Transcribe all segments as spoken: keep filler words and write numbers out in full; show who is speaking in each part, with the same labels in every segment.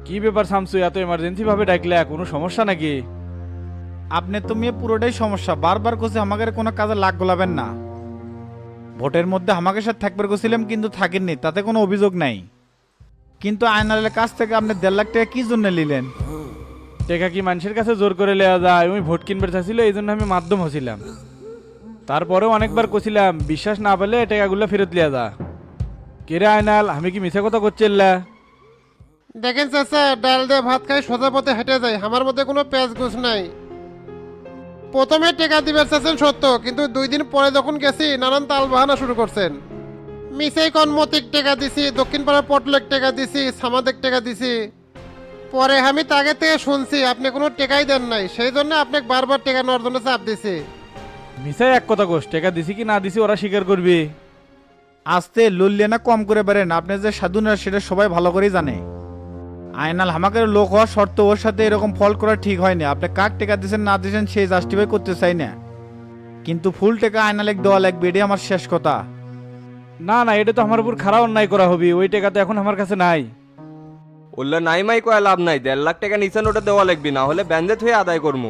Speaker 1: কি ব্যাপার শামসু, এত এমার্জেন্সি ভাবে ডাকলে? কোনো সমস্যা নাকি?
Speaker 2: আপনি তো মেয়ে পুরোটাই সমস্যা, বারবার কোসে আমাদের কোনো কাজে লাগ গোলাবেন না। ভোটের মধ্যে আমাকে সাথে থাকবে গেছিলাম কিন্তু থাকেননি, তাতে কোনো অভিযোগ নাই। কিন্তু আয়নালের কাছ থেকে আপনি দেড় লাখ টাকা কি জন্য নিলেন?
Speaker 1: টেকা কি মানুষের কাছে জোর করে লেওয়া যায়? আমি ভোট কিনবে চাইছিল, এই জন্য আমি মাধ্যম হছিলাম। তারপরেও অনেকবার কছিলাম, বিশ্বাস না পেলে টেকাগুলো ফেরত লিয়া যা। কেরে আয়নাল, আমি কি মিথ্যা কথা করছিল্লা?
Speaker 3: দেখেন চাচা, ডাল দিয়ে ভাত খাই সোজা পথে হেঁটে যায়, আমার মধ্যে কোনো পেঁয়াজ গুছ নাই। প্রথমে টেকা দিবেন চাচ্ছেন সত্য, কিন্তু দুই দিন পরে যখন গেছি নানান তাল বাহানা শুরু করছেন। মিসেই কনমতিক টেকা দিছি, দক্ষিণ পাড়ার পটলেক টেকা দিছি, সামাদেক টেকা দিছি। পরে আমি তাকে থেকে শুনছি আপনি কোনো টেকাই দেন নাই, সেই জন্য আপনাকে বারবার টেকা নেওয়ার জন্য চাপ দিছি।
Speaker 1: মিসাই এক কথা কোষ, টেকা দিছি কি না দিছি ওরা স্বীকার করবি।
Speaker 2: আসতে লুল্লিয়ে না কম করে বেরেন, আপনি যে সাধু না সেটা সবাই ভালো করেই জানে। আয়নাল হামাকের লোক হওয়ার শর্ত ওর সাথে এরকম ফল করা ঠিক হয়নি। আপনি কাক টেকা দিয়েছেন না দিয়েছেন সেই জাস্টিফাই করতে চাই না, কিন্তু ফুল টেকা আয়নালেক দেওয়া লাগবে, এটাই আমার শেষ কথা।
Speaker 1: না না, এটা তো আমার উপর খারাপ অন্যায় করা হবে, ওই টাকা তো এখন আমার কাছে নাই।
Speaker 4: ওল্লা নাই মাই কয়া লাভ নাই, দেড় লাখ টাকা নিচে ওটা দেওয়া লাগবে, না হলে ব্যান্ডেত হয়ে আদায় করবো।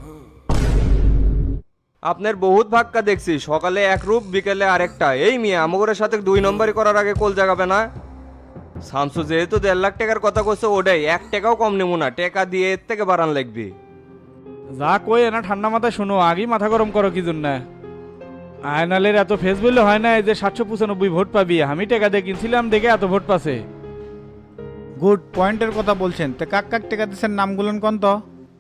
Speaker 4: আপনার বহুত ভাক্কা দেখছি, সকালে এক রূপ বিকেলে আরেকটা। এই মিয়া আমগরের সাথে দুই নম্বরই করার আগে কোল জাগাবে না। শামসু যেহেতু দেড় লাখ টাকার কথা কইছে, ওটাই এক টাকাও কম নেবো না, টাকা দিয়ে এর থেকে বাড়ান লাগবে।
Speaker 1: যা কই না ঠান্ডা মাথায় শোনো, আগেই মাথা গরম করো কি জন্য? আয়নালের এত ফেস বললে হয় না যে সাতশো পঁচানব্বই ভোট পাবি, আমি টাকা দিয়ে কিনছিলাম দেখে এত ভোট পাছে।
Speaker 2: গুড পয়েন্টের কথা বলছেন, তো কাক কাক টেকা দিচ্ছেন নামগুলোন কন তো।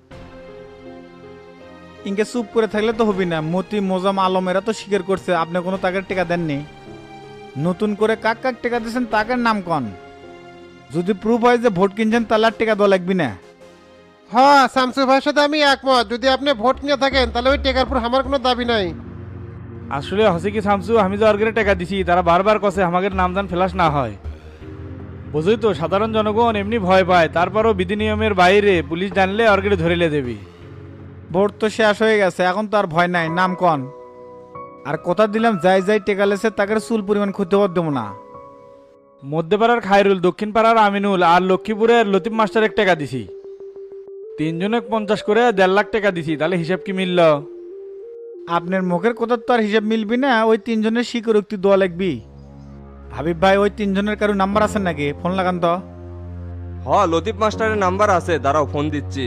Speaker 2: ইনকে চুপ করে থাকলে তো হবি না। মতি মোজাম আলমেরা তো স্বীকার করছে আপনি কোনো তাকের টেকা দেননি। নতুন করে কাক কাক টেকা দিচ্ছেন তাকের নাম কন। যদি প্রুফ হয় যে ভোট কিনছেন তাহলে আর টেকা দেওয়া লাগবি না।
Speaker 3: হ্যাঁ, শামসু ভাইয়ের সাথে আমি একমত। যদি আপনি ভোট নিয়ে থাকেন তাহলে ওই টেকার উপর আমার কোনো দাবি নাই।
Speaker 1: আসলে হসে কি শামসু, আমি যে অর্গের টাকা দিছি তারা বারবার কছে আমাদের নামদান ফেলাস না হয়। বুঝই তো, সাধারণ জনগণ এমনি ভয় পায়, তারপরও বিধি নিয়মের বাইরে পুলিশ জানলে অর্গের ধরিলে দেবি।
Speaker 2: ভোট তো শেষ হয়ে গেছে, এখন তো আর ভয় নাই, নাম কন। আর কথা দিলাম যাই যাই টেকা লেছে তাকে চুল পরিমাণ ক্ষতি হওয়ার দেবো না।
Speaker 1: মধ্যপাড়ার খায়রুল, দক্ষিণ পাড়ার আমিনুল আর লক্ষ্মীপুরের লতিফ মাস্টার এক টাকা দিছি। তিনজনে পঞ্চাশ করে দেড় লাখ টাকা দিছি, তাহলে হিসাব কি মিলল?
Speaker 2: আপনার মুখের কথা তো আর হিসাব মিলবি না, ওই তিনজনের স্বীকারোক্তি দেওয়া লাগবি। হাবিব ভাই, ওই তিনজনের কারো নাম্বার আছে নাকি? ফোন লাগান তো।
Speaker 4: হ, লতিফ মাস্টারের নাম্বার আছে, দাঁড়াও ফোন দিচ্ছি।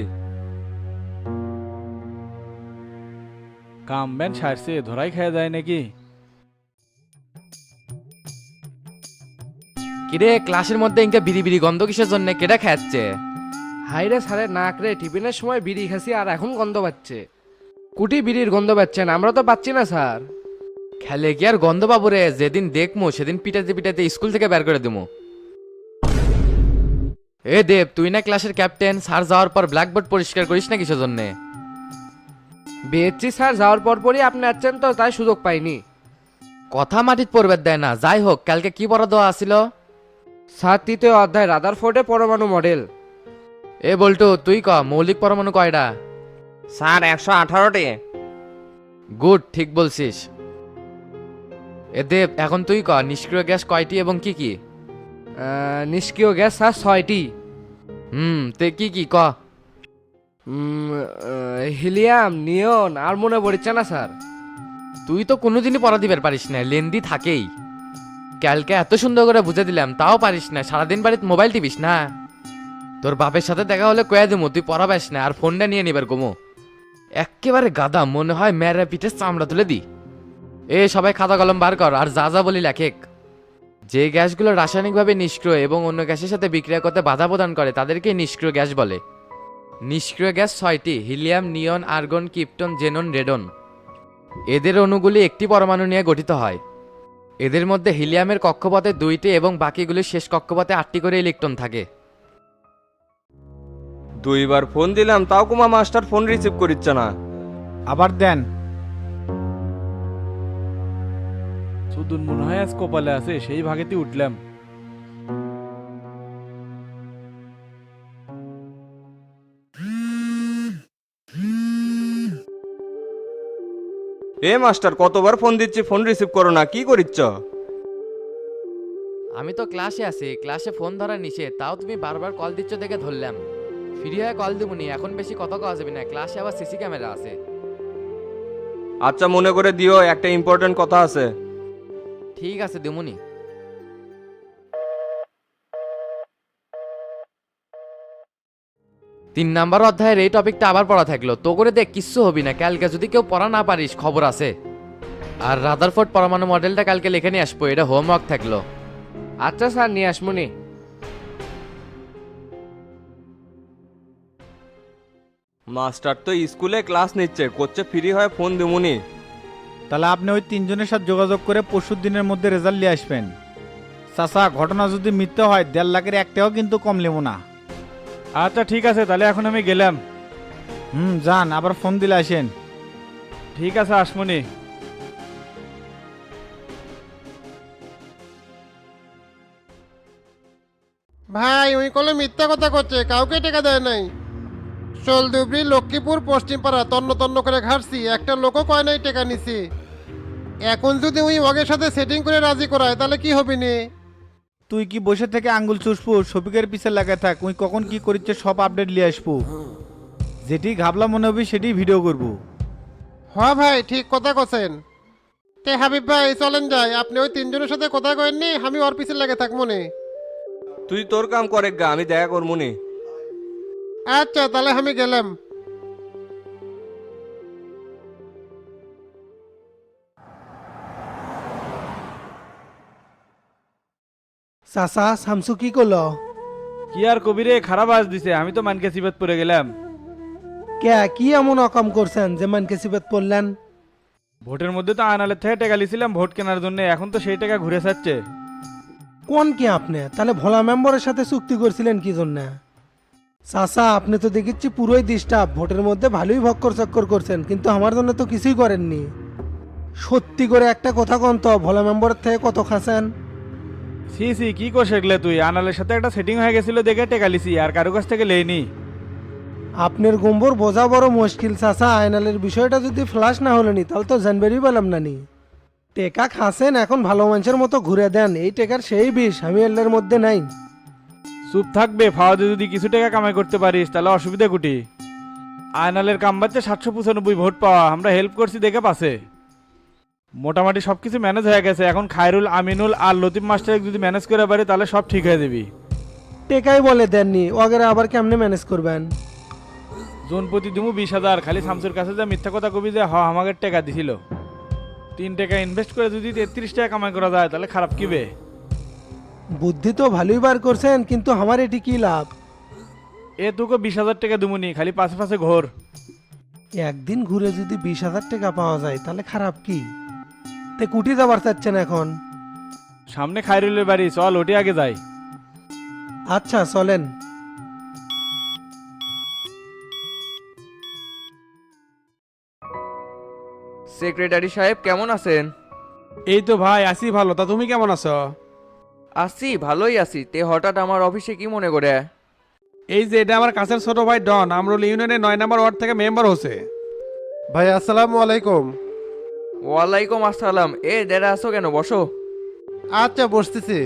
Speaker 1: কাম ব্যান সারছে, ধরাই খাওয়া যায় নাকি?
Speaker 5: কিরে ক্লাসের মধ্যে ইনকা বিড়ি বিড়ি গন্ধ কিসের জন্য? কেডা খাচ্ছে?
Speaker 6: হাইরে সারে নাক রে, টিফিনের সময় বিড়ি খাসি আর এখন গন্ধ পাচ্ছে। কুটি বিড়ির গন্ধ পাচ্ছেন, আমরা তো পাচ্ছি না স্যার।
Speaker 5: খেলে কি আর গন্ধ পাবো রে? যেদিন দেখমু সেদিন পিটাতে পিটাতে স্কুল থেকে বের করে দেবো। এ দেব, তুই না ক্লাসের ক্যাপ্টেন, স্যার যাওয়ার পর ব্ল্যাকবোর্ড পরিষ্কার করিস না কিসের জন্য?
Speaker 6: বিএসসি স্যার যাওয়ার পর পরই আপনি আসছেন তো, তাই সুযোগ পাইনি।
Speaker 5: কথা মাটিত পড়বে দেয় না। যাই হোক, কালকে কি পড়া দেওয়া আসিল?
Speaker 6: স্যার তৃতীয় অধ্যায় রাদারফোর্ডে পরমাণু মডেল।
Speaker 5: এ বল্টু, তুই ক মৌলিক পরমাণু কয়টা?
Speaker 4: স্যার একশো আঠারোটি।
Speaker 5: গুড, ঠিক বলছিস। এ দেব, এখন তুই ক নিষ্ক্রিয় গ্যাস কয়টি এবং কি কি?
Speaker 6: আহ, নিষ্ক্রিয় গ্যাস স্যার ছয়টি।
Speaker 5: হুম, তে কি কি ক?
Speaker 6: উম, আহ, হিলিয়াম, নিয়ন আর মনে পড়ছে না স্যার।
Speaker 5: তুই তো কোনোদিনই পড়া দিবার পারিস না, লেন্দি থাকেই। কালকে এত সুন্দর করে বুঝে দিলাম তাও পারিস না, সারাদিন বাড়িতে মোবাইল টিপিস না। তোর বাপের সাথে দেখা হলে কয়ে দেবো তুই পড়াবাস না আর ফোনটা নিয়ে নিবার কমো। এক্কেবারে গাদা, মনে হয় মেয়েরা পিঠে চামড়া তুলে দি। এ সবাই খাতা কলম বার কর আর যা যা বলি লেখেক। যে গ্যাসগুলো রাসায়নিকভাবে নিষ্ক্রিয় এবং অন্য গ্যাসের সাথে বিক্রিয়া করতে বাধা প্রদান করে তাদেরকে নিষ্ক্রিয় গ্যাস বলে। নিষ্ক্রিয় গ্যাস ছয়টি: helium, neon, argon, krypton, xenon, radon. এদের অণুগুলি একটি পরমাণু নিয়ে গঠিত হয়। এদের মধ্যে হিলিয়ামের কক্ষপথে দুইটি এবং বাকিগুলির শেষ কক্ষপথে আটটি করে ইলেকট্রন থাকে।
Speaker 4: দুইবার ফোন দিলাম তাও কুমা মাস্টার ফোন রিসিভ করিচ্ছে না।
Speaker 2: আবার দেন।
Speaker 1: সুদুন মনে হয় আজ কপালে আছে, সেই ভাগেতে উঠলাম।
Speaker 4: এ মাস্টার, কতবার ফোন দিচ্ছি ফোন রিসিভ করো না, কি করিচ্ছ?
Speaker 5: আমি তো ক্লাসে আছি, ক্লাসে ফোন ধরা নিষেধ, তাও তুমি বারবার কল দিচ্ছ দেখে ধরলাম। ফ্রি হয়ে কল দেবনি, এখন বেশি কথা কওয়া যাবে না, ক্লাসে আবার সিসি ক্যামেরা আছে।
Speaker 4: আচ্ছা মনে করে দিও, একটা ইম্পর্টেন্ট কথা আছে।
Speaker 5: ঠিক আছে দেমুনি। তিন নাম্বার অধ্যায়ের এই টপিকটা আবার পড়া থাকলো, তো করে দেখ কিচ্ছু হবি না, কালকে যদি কেউ পড়া না পারিস খবর আছে। আর রাদারফোর্ড পরমাণু মডেলটা কালকে লিখে নিয়ে আসবো, এটা হোমওয়ার্ক থাকলো।
Speaker 6: আচ্ছা স্যার, নিয়ে আসমুনি।
Speaker 4: মাস্টার তো স্কুলে ক্লাস নিচ্ছে, করছে ফ্রি হয় ফোন দেবুনি।
Speaker 2: তাহলে আপনি ওই তিনজনের সাথে যোগাযোগ করে পরশু দিনের মধ্যে রেজাল্ট নিয়ে আসবেন। চাচা, ঘটনা যদি মিথ্যে হয় দেড় লাখের একটাও কিন্তু কম নেব না।
Speaker 1: আচ্ছা ঠিক আছে, তাহলে এখন আমি গেলাম।
Speaker 2: হুম, যান, আবার ফোন দিলে আসেন।
Speaker 1: ঠিক আছে, আসমনি।
Speaker 3: ভাই ওই কলে মিথ্যা কথা করছে, কাউকে টাকা দেয় নাই। চলদুবরি লক্ষ্মীপুর পশ্চিম পাড়া তন্ন তন্ন করে ঘাটছি, একটা লোকও কয় নাই টাকা নিছি। এখন যদি ওই ওগের সাথে সেটিং করে রাজি করায় তাহলে কি হবে নি?
Speaker 2: তুই কি বসে থেকে আঙ্গুল চুষবো? শফিকের পিছে লাগায় থাক, উই কখন কি করিচ্ছে সব আপডেট নিয়ে আসবো। যেটি ঘাবলা মনে হবে সেটি ভিডিও করবো।
Speaker 3: হ ভাই, ঠিক কথা কছেন। তে হাবিব ভাই চলেন যাই, আপনি ওই তিনজনের সাথে কথা কয়েননি, আমি ওর পিছে লেগে থাক মনে।
Speaker 4: তুই তোর কাম করে গা, আমি দেখা করবুনি।
Speaker 3: আচ্ছা তাহলে আমি গেলাম।
Speaker 7: চাচা শামসু কি করলো?
Speaker 1: কি আর কবিরে, খারাপ আজ দিছে, আমি তো মানকে সিবাত পড়ে গেলাম।
Speaker 7: কে কি এমন অকাম করছেন যে মানকে সিবাত পড়লেন?
Speaker 1: ভোটের মধ্যে তো আনালের থেকে টাকা লিছিলাম ভোট কেনার জন্য, এখন তো সেই টাকা ঘুরে যাচ্ছে।
Speaker 7: কোন কি আপনি তাহলে ভোলা মেম্বারের সাথে চুক্তি করছিলেন কি জন্য? চাচা, আপনি তো দেখিচ্ছি পুরোই ডিস্টার্ব, ভোটের মধ্যে ভালোই ভক্কর চক্কর করছেন, কিন্তু আমার জন্য তো কিছুই করেননি। সত্যি করে একটা কথা কন তো, ভোলা মেম্বারের থেকে কত খাসেন?
Speaker 1: সি সি কি কর সেগলে তুই, আনালের সাথে একটা সেটিং হয়ে গেছিল দেখে টাকা লিছি, আর কারো কাছ থেকে লেইনি।
Speaker 7: আপনার গম্বর বোঝা বড় মুশকিল চাচা, আয়নালের বিষয়টা যদি ফ্লাশ না হলেনি তাহলে তো জানবেরই পেলাম না নি। টেকা খাসেন, এখন ভালো মানুষের মতো ঘুরে দেন, এই টেকার সেই বিষ আমি এল্লের মধ্যে নাই।
Speaker 1: চুপ থাকবে, ফাওয়াদে যদি কিছু টাকা কামাই করতে পারিস তাহলে অসুবিধা কুটি। আয়নালের কাম বাচ্চা সাতশো পঁচানব্বই ভোট পাওয়া, আমরা হেল্প করছি দেখে পাশে। মোটামুটি সব কিছু ম্যানেজ হয়ে গেছে, এখন খায়রুল, আমিনুল আর লতিফ মাস্টার যদি ম্যানেজ করে পারি তাহলে সব ঠিক হয়ে যাবি।
Speaker 7: টেকাই বলে দেননি, ওগেরা আবার কেমনে ম্যানেজ করবেন?
Speaker 1: জোন প্রতি দিমু বিশ হাজার, খালি শামসুর কাছে যা মিথ্যা কথা কবি যে হ আমাকে টাকা দিছিল। তিন টাকা ইনভেস্ট করে যদি তেত্রিশ টাকা কামাই করা যায় তাহলে খারাপ কিবে?
Speaker 7: বুদ্ধি তো ভালোই বার করছেন, কিন্তু আমার এটি কি লাভ?
Speaker 1: এ তোকে বিশ হাজার টাকা দিমুনি, খালি পাশে পাশে ঘোর।
Speaker 7: একদিন ঘুরে যদি বিশ হাজার টাকা পাওয়া যায় তাহলে খারাপ কি? তে কুটি যাবার চাচ্ছেন এখন?
Speaker 1: সামনে খায়রুলের বাড়ি, চল ওটি আগে যাই।
Speaker 7: আচ্ছা চলেন।
Speaker 8: সেক্রেটারি সাহেব কেমন আছেন?
Speaker 9: এই তো ভাই আছি ভালো, তা তুমি কেমন আছো?
Speaker 8: আছি, ভালোই আছি। তে হঠাৎ আমার অফিসে কি মনে করে?
Speaker 9: এই যে এটা আমার কাছের ছোট ভাই ডন, আমরুল ইউনিয়নের নয় নম্বর ওয়ার্ড থেকে মেম্বার হচ্ছে।
Speaker 3: ভাই আসসালামু আলাইকুম।
Speaker 8: ওয়ালাইকুম আসসালাম। এ দেরা আসো কেন, বসো।
Speaker 3: আচ্ছা বসতেছি।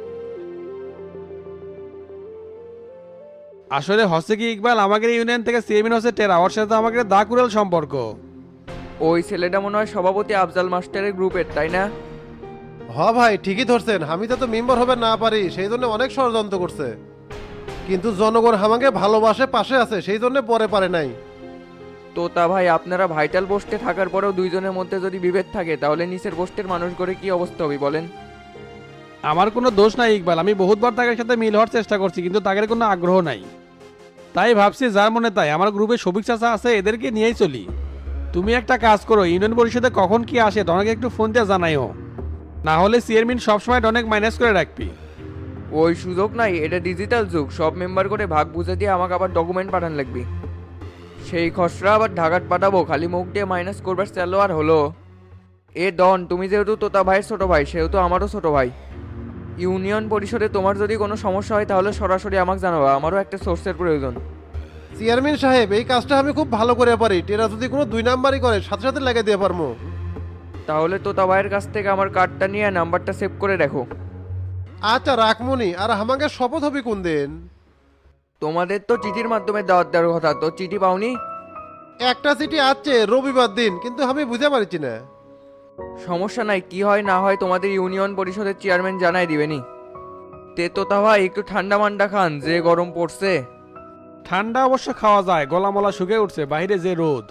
Speaker 9: আসলে হচ্ছে কি ইকবাল, আমাদের ইউনিয়ন থেকে চেয়ারম্যান হচ্ছে টেরা, ওর সাথে আমাদের দা কুড়াল সম্পর্ক।
Speaker 8: ওই ছেলেটা মনে হয় সভাপতি আফজাল মাস্টারের গ্রুপের, তাই না?
Speaker 3: হ ভাই ঠিকই ধরছেন, আমি তো মেম্বার হবে না পারি সেই জন্য অনেক ষড়যন্ত্র করছে, কিন্তু জনগণ আমাকে ভালোবাসে, পাশে আছে, সেই জন্য পরে পারে নাই।
Speaker 8: তো তা ভাই, আপনারা ভাইটাল পোস্টে থাকার পরেও দুইজনের মধ্যে যদি বিভেদ থাকে তাহলে নিচের পোস্টের মানুষগুলো কি অবস্থা হবে বলেন?
Speaker 9: আমার কোনো দোষ নাই ইকবাল, আমি বহুতবার তাদের সাথে মিল হওয়ার চেষ্টা করছি, কিন্তু তাদের কোনো আগ্রহ নাই। তাই ভাবছি যার মনে তাই, আমার গ্রুপে সবিক চাচা আছে, এদেরকে নিয়েই চলি। তুমি একটা কাজ করো, ইউনিয়ন পরিষদে কখন কি আসে ডনকে একটু ফোন দিয়ে জানাইও, না হলে চেয়ারম্যান সবসময় ডনেক মাইনাস করে রাখবি।
Speaker 8: ওই সুযোগ নাই, এটা ডিজিটাল যুগ, সব মেম্বার করে ভাগ বুঝে দিয়ে আমাকে আবার ডকুমেন্ট পাঠান লাগবে। সেই খসড়া আবার ঢাকাত পাঠাবো, খালি মুখ দিয়ে মাইনাস করবার চালো আর হলো। এ ডন, তুমি যেহেতু তোতা ভাইয়ের ছোট ভাই, সেহেতু আমারও ছোট ভাই। ইউনিয়ন পরিষদে তোমার যদি কোনো সমস্যা হয় তাহলে সরাসরি আমাকে জানাবা, আমারও একটা সোর্সের প্রয়োজন।
Speaker 3: চেয়ারম্যান সাহেব এই কাজটা আমি খুব ভালো করে পারি, টেরা যদি কোনো দুই নাম্বারই করে সাথে সাথে লাগিয়ে দিয়ে পারবো।
Speaker 8: তাহলে তোতা ভাইয়ের কাছ থেকে আমার কার্ডটা নিয়ে নাম্বারটা সেভ করে রাখো।
Speaker 3: আচ্ছা রাখমনি, আর আমাকে শপথ হবে কোন দিন?
Speaker 8: তোমাদের তো চিঠির মাধ্যমে দাওয়াত দেওয়ার কথা, তো চিঠি পাওনি?
Speaker 3: একটা চিঠি আছে রবিবার দিন, কিন্তু আমি বুঝতে পারছি না।
Speaker 8: সমস্যা নাই, কি হয় না হয় তোমাদের ইউনিয়ন পরিষদের চেয়ারম্যান জানাই দিবেনি। তে তো তাহা একটু ঠান্ডা মান্ডা খান, যে গরম পড়ছে।
Speaker 9: ঠান্ডা অবশ্য খাওয়া যায়, গলামলা শুকে উঠছে, বাইরে যে রোদ।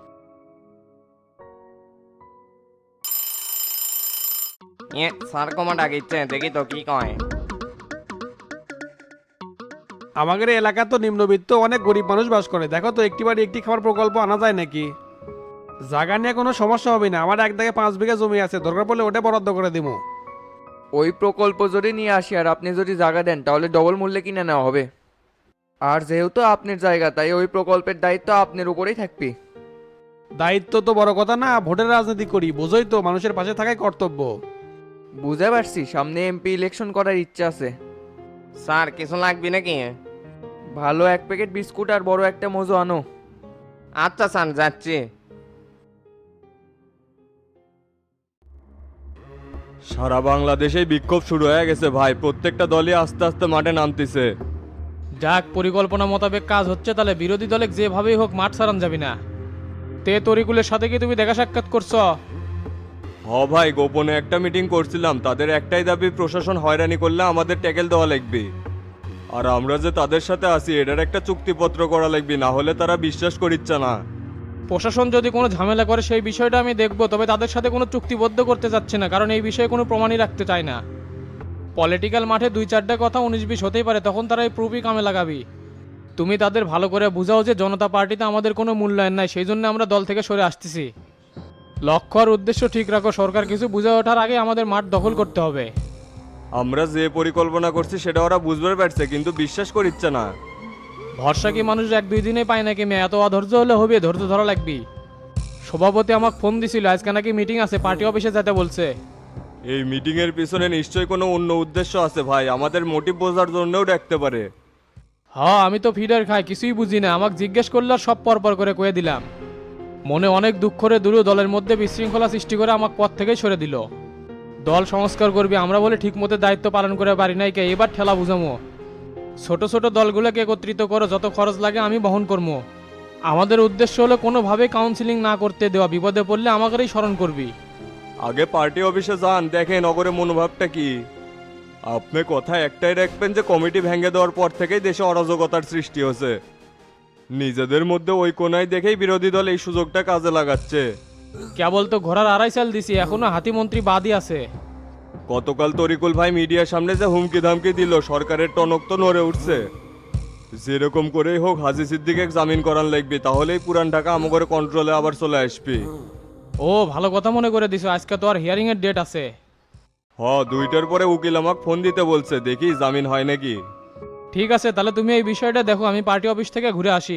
Speaker 4: স্যার কমা ডাকিচ্ছে, দেখি তো কি কয়।
Speaker 9: আমাদের এলাকা তো নিম্নবিত্ত, অনেক গরিব মানুষ বাস করে। দেখো তো একটি বাড়ি একটি খাবার প্রকল্প আনা যায় নাকি? জায়গা নিয়ে কোনো সমস্যা হবে না, আমার এক দাগে পাঁচ বিঘা জমি আছে, দরকার পড়লে ওটা বরাদ্দ করে দিব।
Speaker 8: ওই প্রকল্প যদি নিয়ে আসি আর আপনি যদি জায়গা দেন তাহলে ডবল মূল্যে কিনে নেওয়া হবে। আর যেহেতু আপনার জায়গা, তাই ওই প্রকল্পের দায়িত্ব আপনার উপরেই থাকবে।
Speaker 9: দায়িত্ব তো বড় কথা না, ভোটের রাজনীতি করি, বোঝোই তো, মানুষের পাশে থাকাই কর্তব্য।
Speaker 8: বুঝতে পারছি, সামনে এমপি ইলেকশন করার ইচ্ছা আছে।
Speaker 4: স্যার কিছু লাগবে নাকি?
Speaker 8: ভালো এক প্যাকেট বিস্কুট আর বড় একটা মজু আনো।
Speaker 4: আচ্ছা স্যার, যাচ্ছি। সারা বাংলাদেশে বিক্ষোভ শুরু হয়ে গেছে ভাই, প্রত্যেকটা দলই আস্তে আস্তে মাঠে নামতেছে।
Speaker 1: যাক, পরিকল্পনা মোতাবেক কাজ হচ্ছে, তাহলে বিরোধী দলে যেভাবেই হোক মাঠ সারান যাবি না। তে তরিকুলের সাথে কি তুমি দেখা সাক্ষাৎ করছো?
Speaker 4: হ ভাই, গোপনে একটা মিটিং করছিলাম, তাদের একটাই দাবি, প্রশাসন হয়রানি করলে আমাদের ট্যাকেল দেওয়া লাগবে। আর আমরা যে তাদের সাথে আছি এটার একটা চুক্তিপত্র করা লাগবে, না হলে তারা বিশ্বাস করিচ্ছে না।
Speaker 1: প্রশাসন যদি কোনো ঝামেলা করে সেই বিষয়টা আমি দেখবো, তবে তাদের সাথে কোনো চুক্তিবদ্ধ করতে চাচ্ছি না, কারণ এই বিষয়ে কোনো প্রমাণই রাখতে চায় না। পলিটিক্যাল মাঠে দুই চারটা কথা উনিশ বিশ হতেই পারে, তখন তারা এই প্রুফই কামে লাগাবি। তুমি তাদের ভালো করে বুঝাও যে জনতা পার্টিতে আমাদের কোনো মূল্যায়ন নাই, সেই জন্য আমরা দল থেকে সরে আসতেছি। লক্ষ্য আর উদ্দেশ্য ঠিক রাখো, সরকার কিছু বুঝে ওঠার আগে আমাদের মাঠ দখল করতে হবে।
Speaker 4: আমরা যে পরিকল্পনা করছি সেটা ওরা বুঝতে পারছে, কিন্তু বিশ্বাস করিচ্ছে না।
Speaker 1: ভরসা কি মানুষ এক দুই দিনে পায় নাকি মেয়ে? এত অধৈর্য হলে হবে, ধৈর্য ধরা লাগবি। সভাপতি আমাকে ফোন দিছিল, আজকে নাকি মিটিং আছে, পার্টি অফিসে যেতে বলছে।
Speaker 4: এই মিটিং এর পিছনে নিশ্চয়ই কোনো অন্য উদ্দেশ্য আছে ভাই, আমাদের মোটিভ বোঝার জন্যও রাখতে পারে।
Speaker 1: হ্যাঁ, আমি তো ফিডার খাই, কিছুই বুঝি না। আমাকে জিজ্ঞেস করলে আর সব পরপর করে কয়ে দিলাম। মনে অনেক দুঃখ করে দূর দলের মধ্যে বিশৃঙ্খলা সৃষ্টি করে আমাকে পথ থেকেই সরে দিল। দল সংস্কার করবি আমরা বলে ঠিক মতো দায়িত্ব পালন করে পারি নাই, কে এবার ঠেলা বুঝামো। ছোট ছোট দলগুলোকে একত্রিত করো, যত খরচ লাগে আমি বহন করবো। আমাদের উদ্দেশ্য হলো কোনোভাবে কাউন্সিলিং না করতে দেওয়া, বিপদে পড়লে আমাকেই স্মরণ করবি।
Speaker 4: আগে পার্টি অফিসে যান, দেখেন নগরে মনোভাবটা কি। আপনি কথা একটাই রাখবেন যে কমিটি ভেঙে দেওয়ার পর থেকেই দেশে অরাজকতার সৃষ্টি হয়েছে। নিজেদের মধ্যে ওই কোনায় দেখেই বিরোধী দল এই সুযোগটা কাজে লাগাচ্ছে।
Speaker 1: কেবল তো ঘোড়ার আড়াই চাল দিছি, এখনো হাতিমন্ত্রী বাদই আছে।
Speaker 4: গতকাল তরিকুল ভাই মিডিয়ার সামনে যে হুমকি ধামকি দিল, সরকারের টনক তো নড়ে উঠছে। যেরকম করেই হোক হাজি সিদ্দিকে জামিন করান লাগবে, তাহলেই পুরান ঢাকা আমাদের কন্ট্রোলে আবার চলে আসবে।
Speaker 1: ও ভালো কথা মনে করে দিছো, আজকে তো আর হিয়ারিং এর ডেট আছে।
Speaker 4: হ, দুইটার পরে উকিল আমাকে ফোন দিতে বলছে, দেখি জামিন হয় নাকি।
Speaker 1: ঠিক আছে, তাহলে তুমি এই বিষয়টা দেখো, আমি পার্টি অফিস থেকে ঘুরে আসি।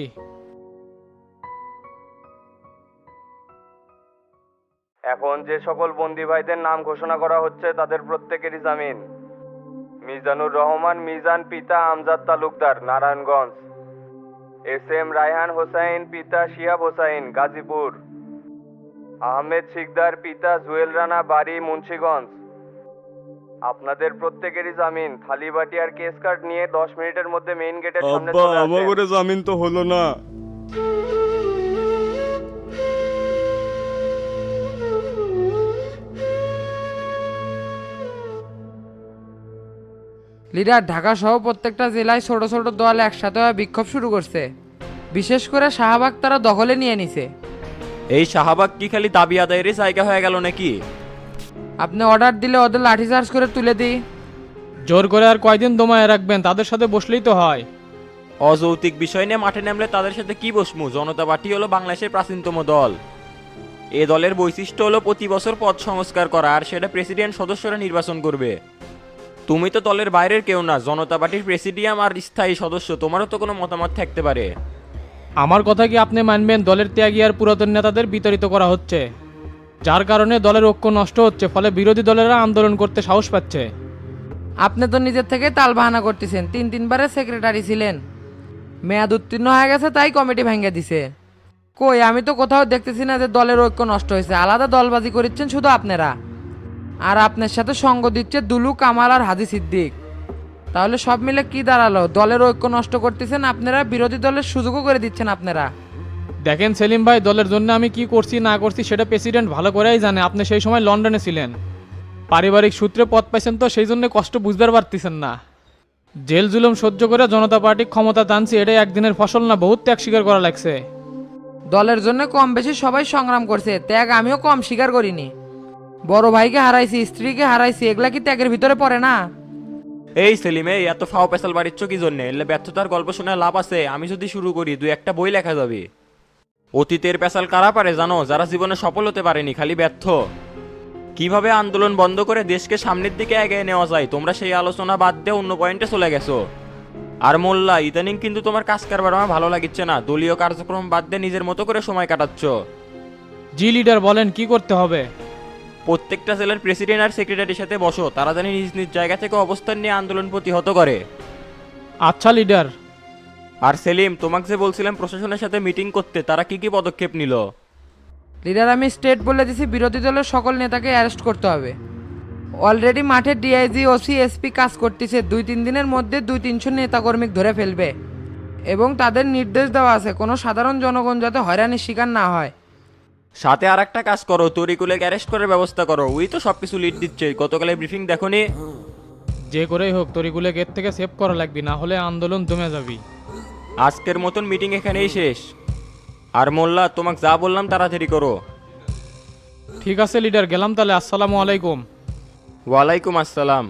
Speaker 4: এখন যে সকল বন্দি ভাইদের নাম ঘোষণা করা হচ্ছে তাদের প্রত্যেকেরই জামিন। মিজানুর রহমান মিজান পিতা আমজাদ তালুকদার নারায়ণগঞ্জ, এস এম রায়হান হোসাইন পিতা শিহাব হোসাইন গাজীপুর, আহমেদ শিকদার পিতা জুয়েল রানা বাড়ি মুন্সিগঞ্জ। আপনাদের প্রত্যেকেরই জামিন। থালিবাটি আর কেস কার্ড নিয়ে দশ মিনিটের মধ্যে মেইন গেটের সামনে চলে আসেন। আমাদের জামিন তো হলো না।
Speaker 6: লিডার, ঢাকা সহ প্রত্যেকটা জেলায় ছোট ছোট দল একসাথে হয়ে বিক্ষোভ শুরু করছে। বিশেষ করে শাহবাগ তারা দখলে নিয়ে নিছে।
Speaker 10: এই শাহবাগ কি খালি দাবি আদায়েরই জায়গা হয়ে গেল নাকি?
Speaker 6: আপনি অর্ডার দিলে ওদের লাঠিচার্জ করে তুলে দিই।
Speaker 1: জোর করে আর কয়দিন দমায় রাখবেন? তাদের সাথে বসলেই তো হয়।
Speaker 10: অযৌক্তিক বিষয় নিয়ে মাঠে নামলে তাদের সাথে কি বসমু? জনতা পার্টি হলো বাংলাদেশের প্রাচীনতম দল। এ দলের বৈশিষ্ট্য হলো প্রতি বছর পদ সংস্কার করা, আর সেটা প্রেসিডেন্ট সদস্যরা নির্বাচন করবে। তুমি তো দলের বাইরের কেউ না, জনতা পার্টির প্রেসিডিয়াম আর স্থায়ী সদস্য, তোমারও তো কোনো মতামত থাকতে পারে।
Speaker 1: আমার কথা কি আপনি মানবেন? দলের ত্যাগী আর পুরাতন নেতাদের বিতাড়িত করা হচ্ছে, যার কারণে দলের ঐক্য নষ্ট হচ্ছে, ফলে বিরোধী দলেরা আন্দোলন করতে সাহস পাচ্ছে।
Speaker 6: আপনি তো নিজের থেকে তাল বাহানা করতেছেন। তিন তিনবারের সেক্রেটারি ছিলেন, মেয়াদ উত্তীর্ণ হয়ে গেছে তাই কমিটি ভেঙে দিছে। কই, আমি তো কোথাও দেখতেছি না যে দলের ঐক্য নষ্ট হয়েছে। আলাদা দলবাজি করছেন শুধু আপনারা। আর আপনার সাথে সঙ্গ দিচ্ছে দুলু, কামাল আর হাজি সিদ্দিক। তাহলে সব মিলে কি দাঁড়ালো? দলের ঐক্য নষ্ট করতেছেন আপনারা, বিরোধী দলের সুযোগও করে দিচ্ছেন আপনারা।
Speaker 1: দেখেন সেলিম ভাই, দলের জন্য আমি কি করছি না করছি সেটা প্রেসিডেন্ট ভালো করেই জানে। আপনি সেই সময় লন্ডনে ছিলেন, পারিবারিক সূত্রে পদ পাইছেন, তো সেই জন্য কষ্ট বুঝবার পারতেছেন না। জেল জুলুম সহ্য করে জনতা পার্টি ক্ষমতা টানছি, এটাই একদিনের ফসল না, বহুত ত্যাগ স্বীকার করা লাগছে।
Speaker 6: দলের জন্য কম বেশি সবাই সংগ্রাম করছে, ত্যাগ আমিও কম স্বীকার করিনি। বড় ভাইকে হারাইছি, স্ত্রীকে হারাইছি, এগুলা কি ত্যাগের ভিতরে পড়ে না?
Speaker 10: এই সেলিম, এই এত ফাও পেশাল বাড়িচ্ছ কি জন্য? এলে ব্যর্থতার গল্প শোনা লাভ আছে? আমি যদি শুরু করি দুই একটা বই লেখা যাবে। অতীতের পেশাল কারা পারে জানো? যারা জীবনে সফল হতে পারেনি, খালি ব্যর্থ। কিভাবে আন্দোলন বন্ধ করে দেশকে সামনের দিকে এগিয়ে নেওয়া যায়, তোমরা সেই আলোচনা বাদ দিয়ে অন্য পয়েন্টে চলে গেছো। আর মোল্লা, ইদানিং কিন্তু তোমার কাজ কারবার আমার ভালো লাগিচ্ছে না। দলীয় কার্যক্রম বাদ দিয়ে নিজের মতো করে সময় কাটাচ্ছ।
Speaker 1: জি লিডার বলেন কি করতে হবে?
Speaker 10: প্রত্যেকটা জেলার প্রেসিডেন্ট আর সেক্রেটারির সাথে বসো, তারা জানি নিজ নিজ জায়গা থেকে অবস্থান নিয়ে আন্দোলন প্রতিহত করে।
Speaker 1: আচ্ছা লিডার।
Speaker 10: আর সেলিম, তোমাকে যে বলছিলাম প্রশাসনের সাথে মিটিং করতে, তারা কি কি পদক্ষেপ নিল?
Speaker 6: লিডার, আমি স্টেট বলে দিছি বিরোধী দলের সকল নেতাকে অ্যারেস্ট করতে হবে। অলরেডি মাঠে ডিআইজি, ওসি, এসপি কাজ করতেছে। দুই তিন দিনের মধ্যে দুই তিনশো নেতাকর্মী ধরে ফেলবে এবং তাদের নির্দেশ দেওয়া আছে কোনো সাধারণ জনগণ যাতে হয়রানির শিকার না হয়।
Speaker 10: সাথে আর একটা কাজ করো, তরিকুলে অ্যারেস্ট করার ব্যবস্থা করো। ওই তো সবকিছু লিড দিচ্ছে, গতকালে ব্রিফিং দেখোনি?
Speaker 1: যে করেই হোক তরিকুলে গেট থেকে সেভ করা লাগবে, না হলে আন্দোলন জমে যাবি।
Speaker 10: আজকের মতন মিটিং এখানেই শেষ। আর মোল্লা, তোমাকে যা বললাম তাড়াতাড়ি করো।
Speaker 1: ঠিক আছে লিডার, গেলাম তাহলে। আসসালামু আলাইকুম।
Speaker 10: ওয়ালাইকুম আসসালাম।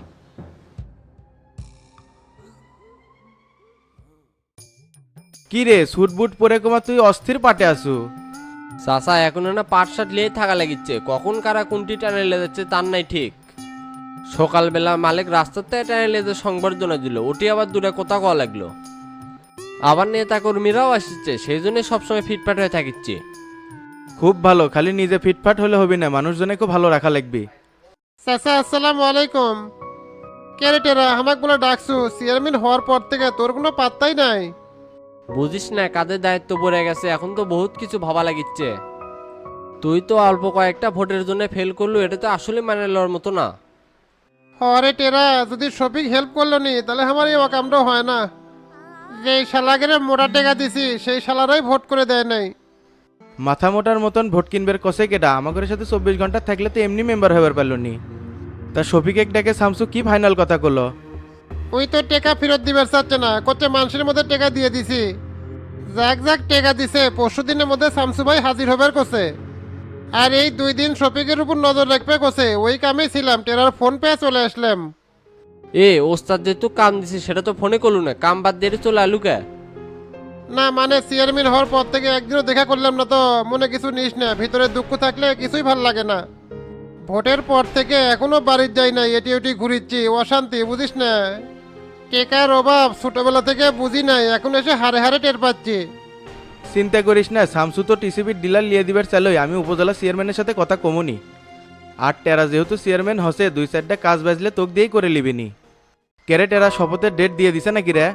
Speaker 2: কি রে সুট বুট পরে কমা তুই অস্থির পাটে আসু?
Speaker 11: চাচা এখন না পাট শার্ট লিয়ে থাকা লাগিচ্ছে, কখন কারা কোনটি টানে লে যাচ্ছে তার নাই ঠিক। সকালবেলা মালিক রাস্তাতে টানে লেজে সংবর্ধনা দিল, ওটি আবার দূরে কোথা কওয়া লাগলো। আবার নেতা কর্মীরাও আসছে, সেই জন্য সবসময় ফিটফাট হয়ে থাকিচ্ছে।
Speaker 2: খুব ভালো, খালি নিজে ফিটফাট হলে হবে না, মানুষজনকে ভালো রাখা লাগবে।
Speaker 3: চাচা আসসালামু আলাইকুম। ক্যারেটেরা আমাকে বলে ডাকছু, চেয়ারম্যান হওয়ার পর থেকে তোর কোনো পাত্তাই নাই।
Speaker 11: বুঝিস না কাদের দায়িত্ব পড়ে গেছে, এখন তো বহুত কিছু ভাবা লাগিচ্ছে। তুই তো অল্প কয়েকটা ভোটের জন্য ফেল করলু, এটা তো আসলে মানে লওয়ার মতো না।
Speaker 3: হরে টেরা, যদি শফিক হেল্প করলো নি তাহলে আমার এই অকামটাও হয় না। যেই শালাকে মোটা টেকা দিছি সেই শালারাই ভোট করে দেয় নাই।
Speaker 2: মাথা মোটার মতন ভোট কিনবের কষে কেটা? আমাদের সাথে চব্বিশ ঘন্টা থাকলে তো এমনি মেম্বার হবার পারলো নি। তা শফিক এক ডাকে শামসু কি ফাইনাল কথা করলো?
Speaker 3: ওই তো টেকা ফেরত দিবার চাচ্ছে না, করছে মানুষের মধ্যে টেকা দিয়ে দিছি। যাক যাক টেকা দিছে, পরশু দিনের মধ্যে শামসু ভাই হাজির হবার কোসে। আর এই দুই দিন শফিকের উপর নজর রাখবে কোসে, ওই কামে ছিলাম, টেরার ফোন পেয়ে চলে আসলাম।
Speaker 11: এ ওস্তাদ যেহেতু কাম দিছে সেটা তো ফোনে করলু না, কাম বাদ দিয়ে চলে আলু কে?
Speaker 3: না মানে চেয়ারম্যান হওয়ার পর থেকে একদিনও দেখা করলাম না, তো মনে কিছু নিস না, ভিতরে দুঃখ থাকলে কিছুই ভাল লাগে না। ভোটের পর থেকে এখনো বাড়ির যাই নাই, এটি ওটি ঘুরিচ্ছি, অশান্তি বুঝিস না। টেকার অভাব ছোটবেলা থেকে বুঝি নাই, এখন এসে হারে হারে টের পাচ্ছি।
Speaker 2: চিন্তা করিস না, শামসু তো টিসিবির ডিলার লিয়ে দিবার চালই, আমি উপজেলা চেয়ারম্যানের সাথে কথা কমুনি। আর টেরা যেহেতু চেয়ারম্যান হসে, দুই চারটা কাজ বাজলে তোক দিয়েই করে লিবিনি। কেরে টেরা শপথের ডেট দিয়ে দিছে নাকি রে?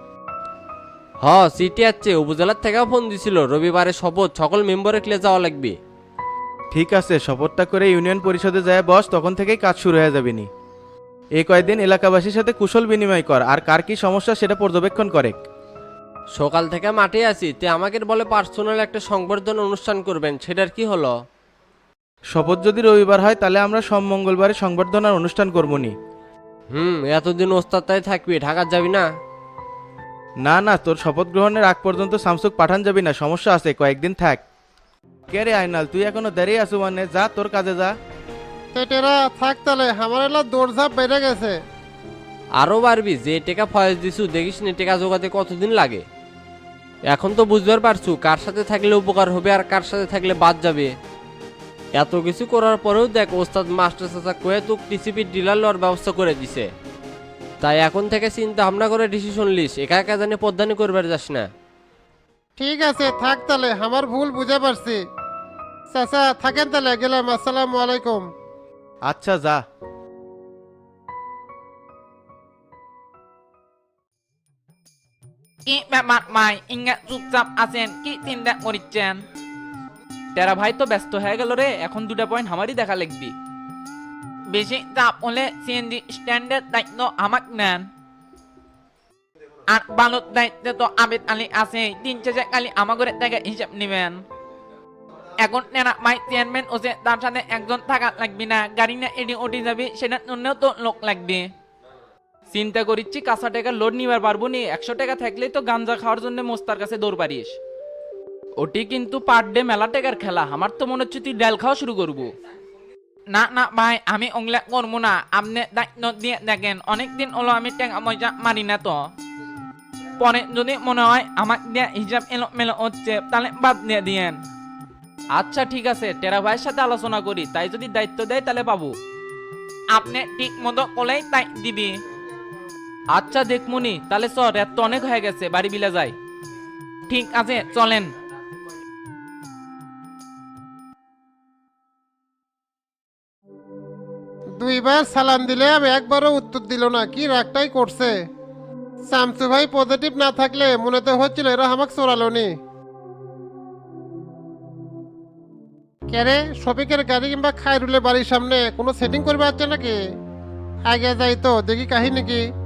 Speaker 11: হ সিটি আছে, উপজেলার থেকেও ফোন দিছিল, রবিবারে শপথ, সকল মেম্বারে ক্লে যাওয়া লাগবে।
Speaker 2: ঠিক আছে, শপথটা করে ইউনিয়ন পরিষদে যায় বস, তখন থেকেই কাজ শুরু হয়ে যাবেনি। এই কয়েকদিন এলাকাবাসীর সাথে কুশল বিনিময় কর, আর কার কি সমস্যা সেটা পর্যবেক্ষণ করে।
Speaker 11: সকাল থেকে মাঠে আছি, তে আমাকে বলে পার্সোনাল একটা সংবর্ধনা অনুষ্ঠান করবেন, সেটার কি হলো?
Speaker 2: শপথ যদি রবিবার হয় তাহলে আমরা সব মঙ্গলবারে সংবর্ধনার অনুষ্ঠান করবনি।
Speaker 11: হুম, এতদিন ওস্তাদ তাই থাকবি, ঢাকা যাবি না?
Speaker 2: না না, তোর শপথ গ্রহণের আগ পর্যন্ত শামসুক পাঠান যাবি না, সমস্যা আছে, কয়েকদিন থাক। কে রে আইনাল, তুই এখনো দাঁড়িয়ে আছো মানে? যা তোর কাজে যা।
Speaker 3: টেরা থাক তাহলে, আমার এলা দৌড়ঝাঁপ বেড়ে গেছে।
Speaker 11: আরও বাড়বি, যে টেকা ফয়েজ দিছু দেখিস নি টেকা জোগাতে কতদিন লাগে। এখন তো বুঝবার পারছু কার সাথে থাকলে উপকার হবে আর কার সাথে থাকলে বাদ যাবে। এত কিছু করার পরেও দেখ ওস্তাদ মাস্টার চাচা কয়ে তোকে টিসিপির ডিলার লওয়ার ব্যবস্থা করে দিছে। তাই এখন থেকে চিন্তা ভাবনা করে ডিসিশন লিস, একা একা জানি পদ্মানি করবার যাস না।
Speaker 3: ঠিক আছে থাক তাহলে, আমার ভুল বুঝে পারছি। চাচা থাকেন তাহলে, গেলাম। আসসালামু আলাইকুম।
Speaker 2: আচ্ছা যা।
Speaker 12: কি ব্যাপার ভাই, ইঙ্গা চুপচাপ আছেন, কি চিন্তা করিচ্ছেন?
Speaker 6: তেরা ভাই তো ব্যস্ত হয়ে গেল রে, এখন দুটা পয়েন্ট আমারই দেখা লাগবি।
Speaker 12: বেশি চাপ হলে সিএনজি স্ট্যান্ডের দায়িত্ব আমাক নেন আর বালুর দায়িত্বে তো আবেদ আলী আছে তিন চাষে খালি আমাগরে থেকে হিসাব নেবেন এখন নেনা মাই চেয়ারম্যান ওসে তার সাথে একজন থাকা লাগবে না গাড়ি না এডি ওটি যাবে সেটার জন্যও তো লোক লাগবে
Speaker 6: চিন্তা করিচ্ছি কাঁচা টাকা লোড নিবার পারবো নি একশো টাকা থাকলেই তো গাঞ্জা খাওয়ার জন্য মোস্তার কাছে দৌড় পারিস ওটি কিন্তু পার ডে মেলা টাকার খেলা আমার তো মনে হচ্ছে তুই ডাল খাওয়া শুরু করবো
Speaker 12: না না ভাই আমি ওগুলা করবো না আপনি দায়িত্ব দিয়ে দেখেন অনেকদিন হলো আমি টাকা পয়সা মারি না তো পরে যদি মনে হয় আমার দিয়ে হিসাব এলো মেলো হচ্ছে তাহলে বাদ দিয়ে দিয়েন
Speaker 6: আচ্ছা ঠিক আছে টেরা ভাইয়ের সাথে আলোচনা করি তাই যদি দায়িত্ব দেয় তাহলে পাবো
Speaker 12: আপনি ঠিক মতো করলেই তাই দিবি
Speaker 6: আচ্ছা দেখমুনি তাহলে চ রাত তো অনেক হয়ে গেছে বাড়ি বিলা যাই
Speaker 12: ঠিক আছে চলেন
Speaker 3: দুইবার সালাম দিলাম একবারও উত্তর দিল না কি রাগটাই করছে শামসু ভাই পজিটিভ না থাকলে মনে তো হচ্ছিল এরা আমাকে চোরালো নি কেরে শফিকের গাড়ি কিংবা খায়রুলের বাড়ির সামনে কোনো সেটিং করবে আছে নাকি আগে যাই তো দেখি কাহিনী কি